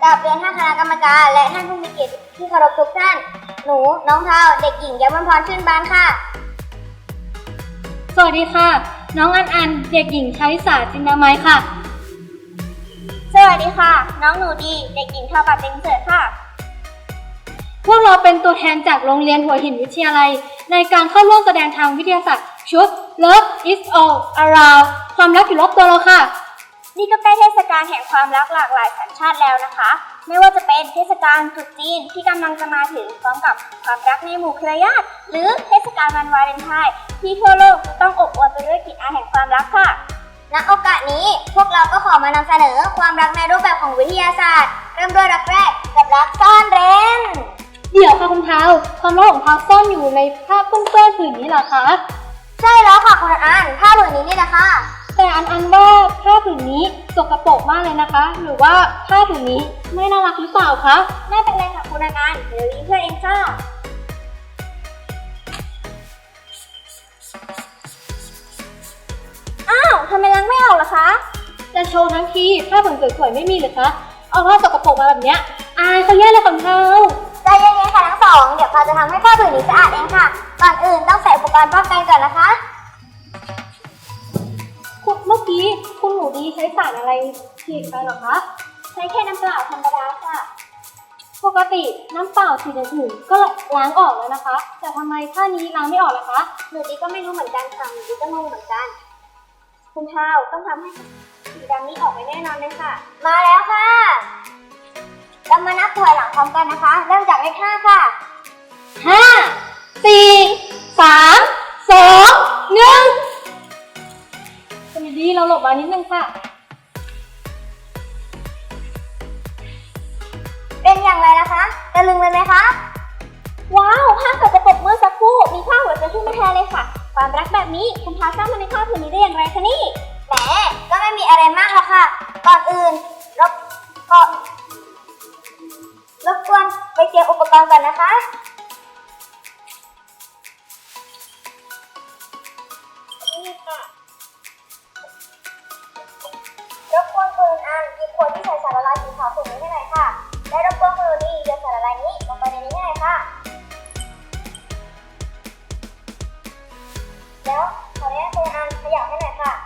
กับเรียนท่านคณะกรรมการและท่านผู้มีเกียรติที่เคารพทุกท่านหนูน้องเทาเด็กหญิงยมพรชื่นบานค่ะสวัสดีค่ะน้องอันเด็กหญิงชลิสาจินดาไม้ค่ะสวัสดีค่ะน้องหนูดีเด็กหญิงทปัตเต็งเสิร์ค่ะพวกเราเป็นตัวแทนจากโรงเรียนหัวหินวิทยาลัยในการเข้าร่วมแสดงทางวิทยาศาสตร์ชุด Love is all around ความรักอยู่รอบตัวเราค่ะนี่ก็ใกล้เทศกาลแห่งความรักหลากหลายสัญชาติแล้วนะคะไม่ว่าจะเป็นเทศกาลตรุษจีนที่กำลังจะมาถึงพร้อมกับความรักในหมู่เครือญาติหรือเทศกาลวันวาเลนไทน์ที่ทั่วโลกต้องอบอวลไปด้วยกลิ่นอายแห่งความรักค่ะณโอกาสนี้พวกเราก็ขอมานำเสนอความรักในรูปแบบของวิทยาศาสตร์เริ่มด้วยรักแรกกับรักซ่อนเร้นเดี๋ยวค่ะคุณเท้าความรักของเท้าซ่อนอยู่ในผ้าเปื้อนผืนนี้เหรอคะใช่แล้วค่ะคุณอันผ้าผืนนี้นี่แหละค่ะแต่อันว่าผ้าผืนนี้สกปรกมากเลยนะคะหรือว่าผ้าผืนนี้ไม่น่ารักหรือเปล่าคะไม่เป็นไรค่ะคุณอันเดี๋ยวรีเพื่อเองค่ะอ้าวทำไมล้างไม่ออกล่ะคะจะโชว์ทั้งทีผ้าผืนสวยๆไม่มีหรือคะเอาผ้าสกปรกมาแบบเนี้ยอายเขาแย่เลยของเท้าใจเย็นๆค่ะทั้งสองเดี๋ยวพาจะทำให้ผ้าผืนนี้สะอาดเองค่ะก่อนอื่นต้องใส่อุปกรณ์ป้องกันก่อนนะคะเมื่อกี้คุณหนูดีใช้สารอะไรฉีดไปหรอคะใช้แค่น้ำเปล่าธรรมดาค่ะปกติน้ำเปล่าสีอื่นๆก็ล้างออกแล้วนะคะแต่ทำไมผ้านี้ล้างไม่ออกล่ะคะหนูดีก็ไม่รู้เหมือนกันค่ะหนูดีก็งงเหมือนกันคุณเท้าต้องทำให้สีดำนี้ออกไปแน่นอนเลยค่ะมาแล้วค่ะเรามานับถอยหลังพร้อมกันนะคะเริ่มจากเลข5ค่ะ 5 4 3 2 1คุณดีเราหลบมานิดนึงค่ะเป็นอย่างไรนะคะตะลึงเลยไหมคะว้าวผ้าสกปรกเมื่อสักครู่มีผ้าหัวใจขึ้นมาแทนเลยค่ะความรักแบบนี้คุณพาสร้างมาในผ้าผืนนี้ได้อย่างไรคะนี่แหมก็ไม่มีอะไรมากหรอกค่ะก่อนอื่นรบกวนไปเตรียมอุปกรณ์ก่อนนะคะนี่ค่ะรบกวนคุณอันหยิบขวดที่ใส่สารละลายสีขาวขุ่นนี้ให้หน่อยค่ะและรบกวนคุณดีโยนสารละลายนี้ลงไปในนี้ให้หน่อยค่ะแล้วขออนุญาตคุณอันขยับให้หน่อยค่ะ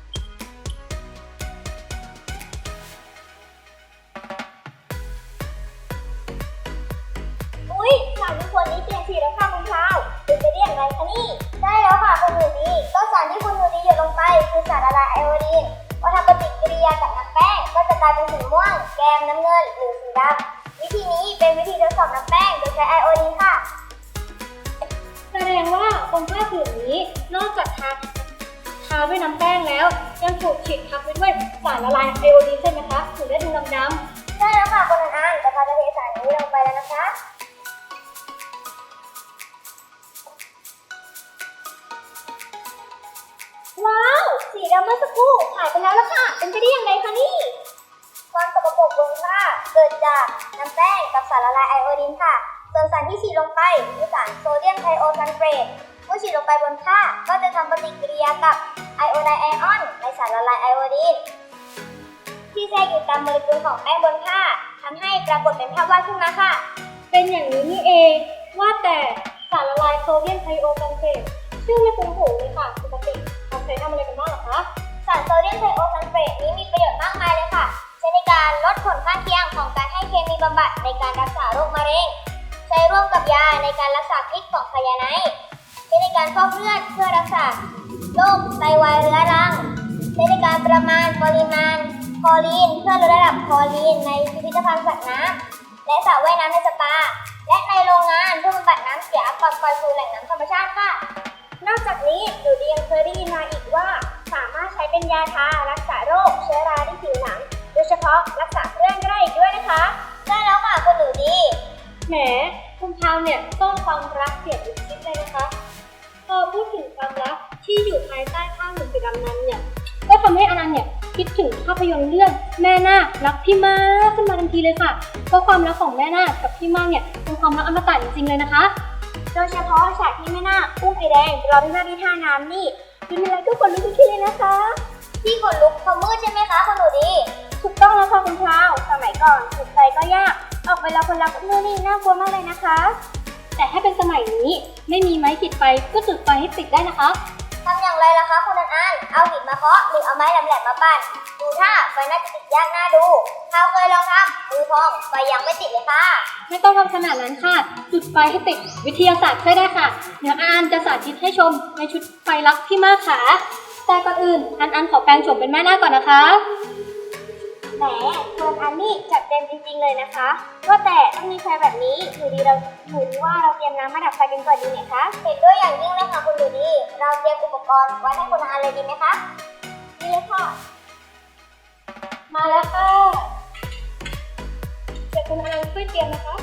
อุ๊ยสารในขวดนี้เปลี่ยนสีแล้วค่ะคุณเท้าเป็นไปได้อย่างไรคะนี่ได้แล้วค่ะคุณหนูดีก็สารที่คุณหนูดีหยดลงไปคือสารละลายไอโอดีนพอทำปฏิกิริยากับน้ำแป้งก็จะกลายเป็นสีม่วงแกมน้ำเงินหรือสีดำวิธีนี้เป็นวิธีทดสอบน้ำแป้งโดยใช้ไอโอดีนค่ะแสดงว่าบนผ้าผืนนี้นอกจากทาด้วยน้ำแป้งแล้วยังถูกฉีดทับไปด้วยสารละลายไอโอดีนใช่ไหมคะถึงได้ดูดำๆใช่แล้วค่ะคุณอันแต่พอจะเทสารนี้ลงไปแล้วนะคะว้าวสีดำเมื่อสักครู่หายไปแล้วล่ะค่ะเป็นไปได้อย่างไรคะนี่ความสกปรกบนผ้าเกิดจากน้ำแป้งกับสารละลายไอโอดีนค่ะส่วนสารที่ฉีดลงไปคือสารโซเดียมไทโอซัลเฟตเมื่อฉีดลงไปบนผ้าก็จะทำปฏิกิริยากับไอโอไดไอออนในสารละลายไอโอดีนที่แทรกอยู่ตามโมเลกุลของแป้งบนผ้าทำให้ปรากฏเป็นภาพวาดขึ้นมาค่ะเป็นอย่างนี้นี่เองว่าแต่สารละลายโซเดียมไทโอซัลเฟตชื่อไม่คุ้นหูเลยค่ะปกติเขาใช้ทำอะไรกันบ้างหรอคะสารโซเดียมไทโอซัลเฟตนี้มีประโยชน์มากมายเลยค่ะใช้ในการลดผลข้างเคียงของการให้เคมีบำบัดในการรักษาโรคมะเร็งใช้ร่วมกับยาในการรักษาพิษของไซยาไนด์ใช้ในการฟอกเลือดเพื่อรักษาโรคไตวายเรื้อรังใช้ในการประมาณปริมาณคลอรีนเพื่อลดระดับคลอรีนในพิพิธภัณฑ์สัตว์น้ำและสระว่ายน้ำในสปาและในโรงงานเพื่อบำบัดน้ำเสียก่อนปล่อยสู่แหล่งน้ำธรรมชาติค่ะนอกจากนี้หนูดียังเคยได้ยินมาอีกว่าสามารถใช้เป็นยาทารักษาโรคเชื้อราที่ผิวหนังโดยเฉพาะรักษาเครื่องได้อีกด้วยนะคะได้แล้วค่ะคุณหนูดีแหมคุณเท้าเนี่ยต้องความรักเสียอีกชิดเลยนะคะพอพูดถึงความรักที่อยู่ภายใต้ผ้าผืนสีดำนั้นเนี่ยก็ทำให้อนันต์เนี่ยคิดถึงภาพยนตร์เรื่องแม่นาครักพี่มากขึ้นมาทันทีเลยค่ะเพราะความรักของแม่นาคกับพี่มากเนี่ยเป็นความรักอมตะจริงๆเลยนะคะโดยเฉพาะฉากที่แม่นาคอุ้มไอแดงรอพี่มากที่ท่าน้ำนี่เป็นอะไรก็ขนลุกทุกทีเลยนะคะที่ขนลุกเพราะมืดใช่ไหมคะคุณหนูดีถูกต้องแล้วค่ะคุณพราวสมัยก่อนจุดไฟก็ยากออกไปแล้วคนรักนู่นนี่น่ากลัวมากเลยนะคะแต่ถ้าเป็นสมัยนี้ไม่มีไม้ขีดไฟก็จุดไฟให้ติดได้นะคะทำอย่างไรล่ะคะคุณอันเอาหินมาเคาะหรือเอาไม้แหลมๆมาปั้นดูท่าไฟน่าจะติดยากน่าดูพราวเคยลองทำมือพองไฟยังไม่ติดเลยค่ะไม่ต้องทำขนาดนั้นค่ะ จุดไฟให้ติดวิทยาศาสตร์ช่วยได้ค่ะเดี๋ยวอันจะสาธิตให้ชมในชุดไฟลักพี่มากค่ะแต่ก่อนอื่นอันขอแปลงโฉมเป็นแม่นาคก่อนนะคะแหมคุณอันนี่จัดเต็มจริงๆเลยนะคะว่าแต่ต้องมีไฟแบบนี้หนูดีว่าเราเตรียมน้ำมาดับไฟกันก่อนดีไหมคะเห็นด้วยอย่างยิ่งเลยค่ะคุณดูดีเราเตรียมอุปกรณ์ไว้ให้คุณอันเลยดีไหมคะดีเลยค่ะมาแล้วค่ะเดี๋ยวคุณอันช่วยเตรียมนะคะ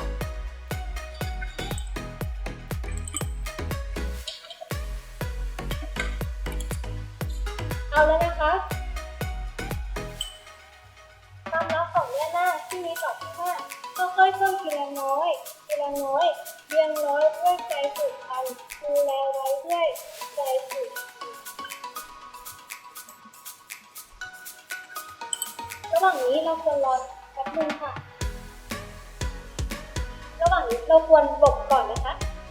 เอาแล้วนะคะความลับของแม่นาคที่มีต่อพี่ว่าค่อยๆเพิ่มทีละน้อยเรียงน้อยด้วยใจผูกพันดูแลไว้ด้วยใจผูกพันระหว่างนี้เราควรรอแป๊บนึงค่ะระหว่างนี้เราควรหลบก่อนนะคะ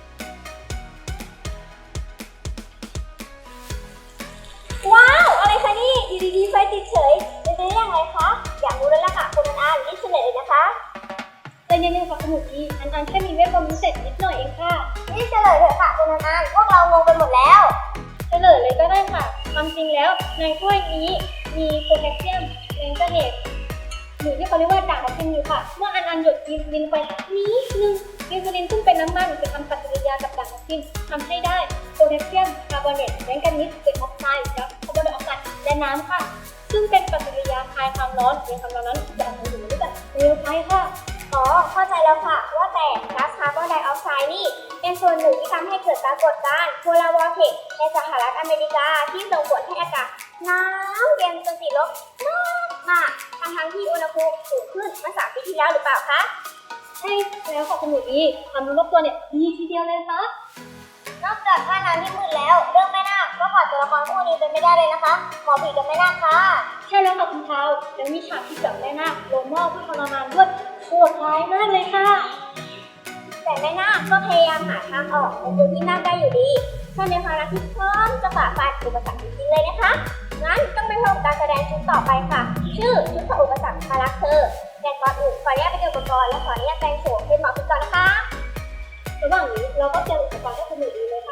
ว้าวอะไรคะนี่อยู่ดีๆไฟติดเฉยเป็นไปได้อย่างไรคะอยากรู้แล้วล่ะค่ะคุณอันรีบเฉลยเลยนะคะใจเย็นๆค่ะคุณหนูดีอันแค่มีเวทมนต์พิเศษนิดหน่อยเองค่ะรีบเฉลยเถอะค่ะคุณอันพวกเรางงไปหมดแล้วเฉลยเลยก็ได้ค่ะความจริงแล้วในถ้วยนี้มีโพแทสเซียมแมงกานีสหรือที่เขาเรียกว่าด่างทับทิมอยู่ค่ะเมื่ออันหยดดินไปนิดนึงอินซูลินซึ่งเป็นน้ำมันจะทำปฏิกิริยากับด่างทับทิมทำให้ได้โพแทสเซียมคาร์บอเนตแมงกานีสเป็นออกไซด์และคาร์บอนไดออกไซด์และน้ำค่ะซึ่งเป็นปฏิกิริยาคลายความร้อนในความร้อนนั้นจะทำให้อยู่ในแบบเร็วไปค่ะอ๋อเข้าใจแล้วค่ะว่าแต่ก๊าซคาร์บอนไดออกไซด์นี่เป็นส่วนหนึ่งที่ทำให้เกิดปรากฏการณ์โพลาร์วอร์เทกในสหรัฐอเมริกาที่ส่งผลให้อากาศหนาวเย็นจนติดลบมากทั้งที่อุณหภูมิสูงขึ้นเมื่อ3 ปีที่แล้วหรือเปล่าคะใช่แล้วค่ะคุณหนูดีความรู้รอบตัวเนี่ยดีทีเดียวเลยค่ะนอกจากท่าน้ำที่มืดแล้วเรื่องแม่นาคก็ขาดตัวละครคู่นี้เป็นไม่ได้เลยนะคะหมอผีกับแม่นาคค่ะใช่แล้วค่ะคุณเทาแล้วมีฉากที่จับแม่นาคลงหม้อเพื่อทรมานด้วยโหดร้ายมากเลยค่ะแต่แม่นาคก็พยายามหาทางออกในจุดที่นาคได้อยู่ดีถ้าในภาระที่พร้อมจะฝ่าฟันอุปสรรคจริงๆเลยนะคะงั้นต้องไปชมการแสดงชุดต่อไปค่ะ ชื่อชุดฝ่าอุปสรรคมารักเธอแต่ก่อนอื่นขออนุญาตไปดูอุปกรณ์และขออนุญาตแต่งโฉมเป็นหมอผีก่อนนะคะระหว่างนี้เราก็เตรียมอุปกรณ์ให้คุณหนูดีเลยค่ะ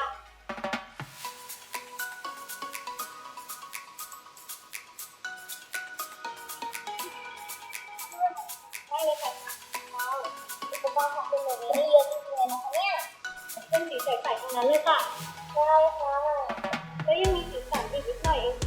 ได้เลยค่ะว้าวอุปกรณ์ของคุณหนูนี่เยอะจริงๆเลยนะคะเนี่ยเป็นสีใสๆทั้งนั้นเลยค่ะได้ค่ะแล้วยังมีสีสันอีกนิดหน่อยเอง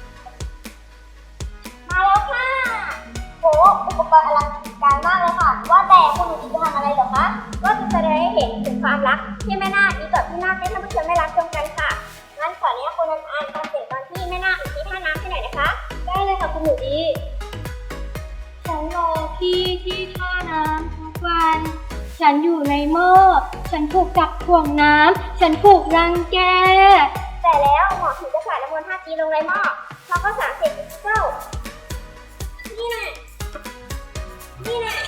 มาแล้วค่ะโหอุปกรณ์อลังการมากเลยค่ะว่าแต่คุณหนูจะทำอะไรเหรอคะก็จะแสดงให้เห็นถึงความรักที่แม่นาคมีต่อพี่นาคให้ท่านผู้ชมได้รับชมกันค่ะงั้นขออนุญาตคุณอันฟังเสียงตอนที่แม่นาคอยู่ที่ท่าน้ำให้หน่อยนะคะได้เลยค่ะคุณหนูดีฉันรอพี่ที่ท่าน้ำทุกวัน ฉันอยู่ในหม้อฉันถูกจับถ่วงน้ำฉันถูกรังแกแต่แล้วหมอถึงจะสาดน้ำมนต์5G ลงในหม้อแล้วก็สารเสพติดเจ้านี่แน่นี่แน่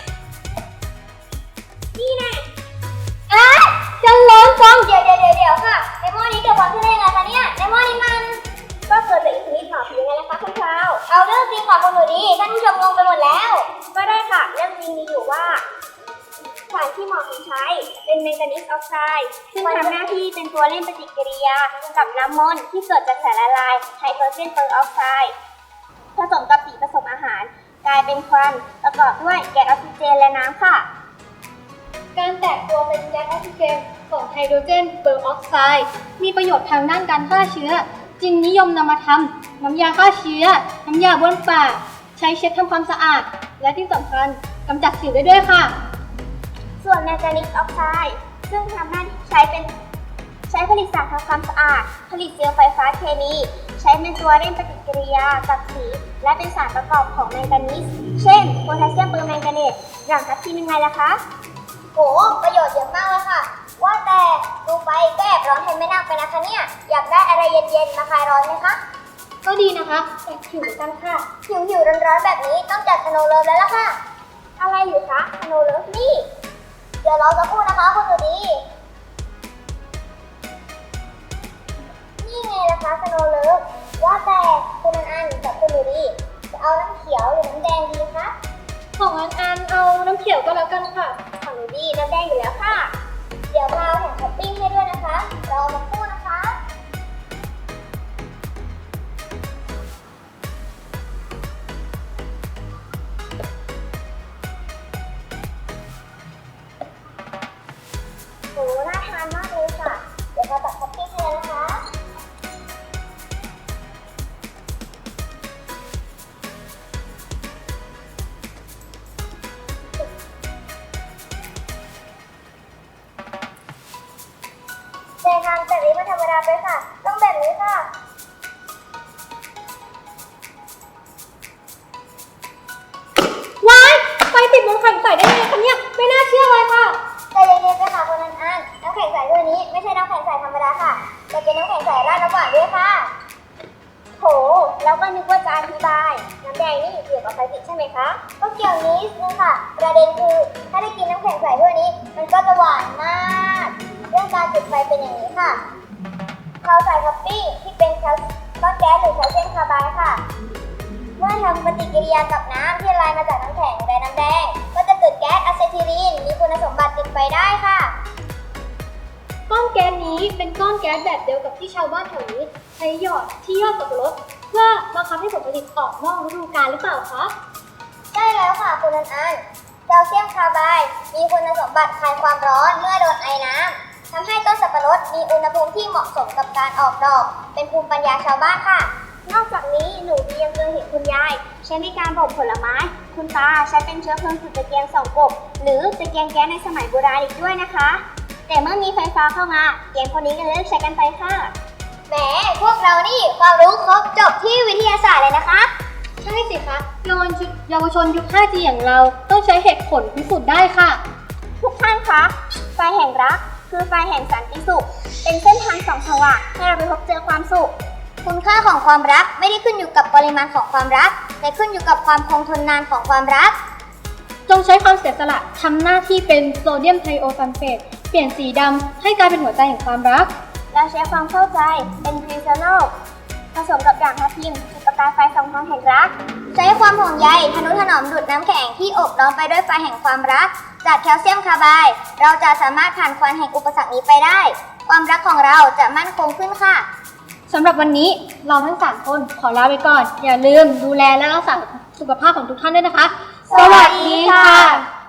นี่แน่ฉันร้อนจังเดี๋ยวค่ะในหม้อนี้เกิดความขึ้นได้ยังไงคะเนี่ยในหม้อนี้มันก็เกิดจากอิทธิฤทธิ์หมอผียังไงล่ะคะคุณคราวเอาเรื่องจริงค่ะคุณหนูดีท่านผู้ชมงงไปหมดแล้วก็ได้ค่ะเรื่องจริงมีอยู่ว่าสารที่หมอผีใช้เป็นแมงกานีสออกไซด์ซึ่งทำหน้าที่เป็นตัวเล่นปฏิกิริยากับน้ำมนต์ที่เกิดจากสารละลายไฮโดรเจนเปอร์ออกไซด์ผสมกับสีผสมอาหารกลายเป็นควันประกอบด้วยแก๊สออกซิเจนและน้ำค่ะการแตกตัวเป็นแก๊สออกซิเจนของไฮโดรเจนเปอร์ออกไซด์มีประโยชน์ทางด้านการฆ่าเชื้อจึงนิยมนำมาทำน้ำยาฆ่าเชื้อน้ำยาบ้วนปากใช้เช็ดทำความสะอาดและที่สำคัญกำจัดสิวได้ด้วยค่ะส่วนแมงกานีสออกไซด์ซึ่งทำหน้าที่ใช้ผลิตสารทำความสะอาดผลิตเซลล์ไฟฟ้าเคมีใช้เป็นตัวเร่งปฏิกิริยากับสีและเป็นสารประกอบของแมงกานีสเช่นโพแทสเซียมเปอร์แมงกาเนตอย่างทับทิมยังไงล่ะคะโหประโยชน์เยอะมากเลยค่ะว่าแต่ดูไปก็แอบร้อนแทนแม่นาคไปนะคะเนี่ยอยากได้อะไรเย็นๆมาคลายร้อนไหมคะก็ดีนะคะแต่หิวเหมือนกันค่ะหิวร้อนๆแบบนี้ต้องจัดสโนว์เลิฟแล้วล่ะค่ะ อะไรอยู่คะสโนว์เลิฟนี่ เดี๋ยวรอสักครู่นะคะคุณหนูดี นี่ไงล่ะคะสโนว์เลิฟว่าแต่คุณอันกับคุณหนูดีจะเอาน้ำเขียวหรือน้ำแดงดีคะของอันเอาน้ำเขียวก็แล้วกันค่ะของหนูดีน้ำแดงอยู่แล้วค่ะ เดี๋ยวเราแถมท็อปปิ้งให้ด้วยนะคะรอสักครู่นะคะ โห น่าทานมากเลยค่ะ เดี๋ยวเราตัดท็อปปิ้งให้แล้วนะคะ แต่ทำแบบนี้ไม่ธรรมดาไปค่ะ ต้องแบบนี้ค่ะว้ายไฟติดบนแข็งใสได้ไงคะเนี่ยไม่น่าเชื่อเลยค่ะใจเย็นๆไปค่ะคุณอันน้ำแข็งใสตัวนี้ไม่ใช่น้ำแข็งใสธรรมดาค่ะแต่เป็นน้ำแข็งใสราดน้ำหวานด้วยค่ะ โห แล้วก็นึกว่าจะอธิบาย น้ำแดงนี่เกี่ยวกับไฟติดใช่ไหมคะ ก็เกี่ยวนิดนึงค่ะ ประเด็นคือถ้าได้กินน้ำแข็งใสตัวนี้ มันก็จะหวานมาก เรื่องการจุดไฟเป็นอย่างนี้ค่ะ เราใส่ท็อปปิ้งที่เป็นก้อนแก๊สหรือแคลเซียมคาร์ไบด์ค่ะ เมื่อทำปฏิกิริยากับน้ำที่ละลายมาจากน้ำแข็งและน้ำแดง ก็จะเกิดแก๊สอะเซทิลีน มีคุณสมบัติติดไฟได้ค่ะก้อนแก๊สนี้เป็นก้อนแก๊สแบบเดียวกับที่ชาวบ้านแถวนี้ใช้หยอดที่ยอดสับปะรดเพื่อบังคับให้ผลผลิตออกนอกฤดูกาลหรือเปล่าคะได้แล้วค่ะคุณอันแคลเซียมคาร์ไบด์มีคุณสมบัติคลายความร้อนเมื่อโดนไอน้ำทำให้ต้นสับปะรดมีอุณหภูมิที่เหมาะสมกับการออกดอก เป็นภูมิปัญญาชาวบ้านค่ะ นอกจากนี้หนูดียังเคยเห็นคุณยายใช้ในการบ่มผลไม้ คุณตาใช้เป็นเชื้อเพลิงจุดตะเกียงส่องกบ หรือตะเกียงแก๊สในสมัยโบราณอีกด้วยนะคะ แต่เมื่อมีไฟฟ้าเข้ามาเกียงคนนี้ก็เลิกใช้กันไปค่ะแหมพวกเรานี่ความรู้ครบจบที่วิทยาศาสตร์เลยนะคะใช่สิคะเยาวชนยุค 5G อย่างเราต้องใช้เหตุผลพิสูจน์ได้ค่ะทุกท่านคะไฟแห่งรักคือไฟแห่งสันติสุข เป็นเส้นทางส่องสว่างให้เราไปพบเจอความสุข คุณค่าของความรักไม่ได้ขึ้นอยู่กับปริมาณของความรัก แต่ขึ้นอยู่กับความคงทนนานของความรักจงใช้ความเสียสละทำหน้าที่เป็นโซเดียมไทโอซัลเฟตเปลี่ยนสีดำให้กลายเป็นหัวใจแห่งความรักแล้วใช้ความเข้าใจเป็นกรีซโนลผสมกับด่างทับทิมจุดประกายไฟสองทางแห่งรัก ใช้ความห่วงใยทนุถนอมดูดน้ำแข็งที่อบล้อมไปด้วยไฟแห่งความรัก จากแคลเซียมคาร์ไบด์เราจะสามารถผ่านควันแห่งอุปสรรคนี้ไปได้ ความรักของเราจะมั่นคงขึ้นค่ะสำหรับวันนี้เราทั้ง 3 คนขอลาไปก่อน อย่าลืมดูแลและรักษาสุขภาพของทุกท่านด้วยนะคะสวัสดีค่ะ